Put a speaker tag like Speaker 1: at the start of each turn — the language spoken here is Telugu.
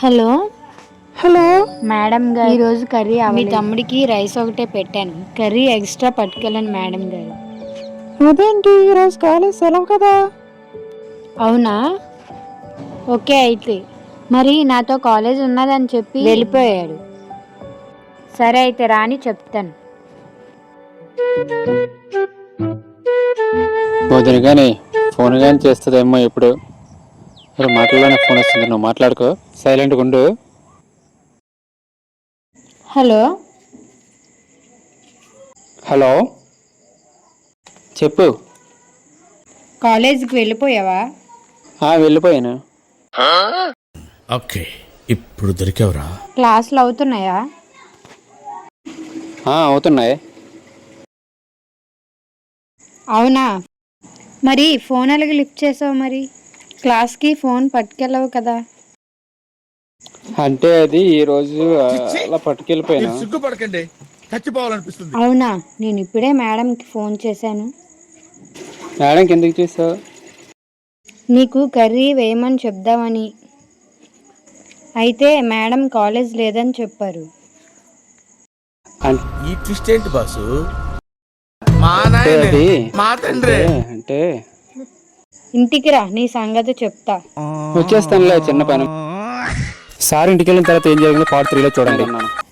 Speaker 1: హలో
Speaker 2: హలో
Speaker 1: మేడం గారు, ఈరోజు కర్రీ మీ తమ్ముడికి రైస్ ఒకటే పెట్టాను, కర్రీ ఎక్స్ట్రా పట్టుకెళ్ళండి మేడం గారు.
Speaker 2: అదేంటి ఈరోజు కాలేజ్ సెలవు కదా.
Speaker 1: అవునా, ఓకే. అయితే మరి నాతో కాలేజ్ ఉన్నదని చెప్పి వెళ్ళిపోయాడు. సరే అయితే రాని చెప్తాను.
Speaker 3: వదిన కానీ ఫోన్ కానీ చేస్తుందేమో ఇప్పుడు. మాటల్లోనే ఫోన్ వస్తుంది, నువ్వు మాట్లాడుకో, సైలెంట్గా ఉండు.
Speaker 1: హలో
Speaker 3: హలో, చెప్పు.
Speaker 1: కాలేజీకి వెళ్ళిపోయావా?
Speaker 3: వెళ్ళిపోయాను.
Speaker 4: ఓకే, ఇప్పుడు దొరికావురా.
Speaker 1: క్లాసులు అవుతున్నాయా?
Speaker 3: అవుతున్నాయి.
Speaker 1: అవునా, మరి ఫోన్ అలాగే లిఫ్ట్ చేసావు? మరి క్లాస్కి ఫోన్ పట్టుకెళ్ళవు కదా?
Speaker 3: అంటే అది ఈరోజు అలా పట్టుకెళ్ళిపోయాను.
Speaker 4: సిగ్గుపడకండి, చచ్చిపోవాలనిపిస్తుంది.
Speaker 1: అవునా, నేను ఇప్పుడే మేడంకి ఫోన్ చేశాను.
Speaker 3: మేడంకి ఎందుకు చేసావు?
Speaker 1: నీకు కర్రీ వేయమని చెప్దామని. అయితే మేడం కాలేజ్ లేదని చెప్పారు.
Speaker 4: ఈ ట్విస్ట్ ఏంటి బాసు? మా తండ్రి
Speaker 3: అంటే
Speaker 1: ఇంటికి రా, నీ సంగతి చెప్తా.
Speaker 3: వచ్చేస్తానులే, చిన్న పని. సార్ ఇంటికి వెళ్ళిన తర్వాత ఏం జరిగిందో పార్ట్ 3లో చూడండి.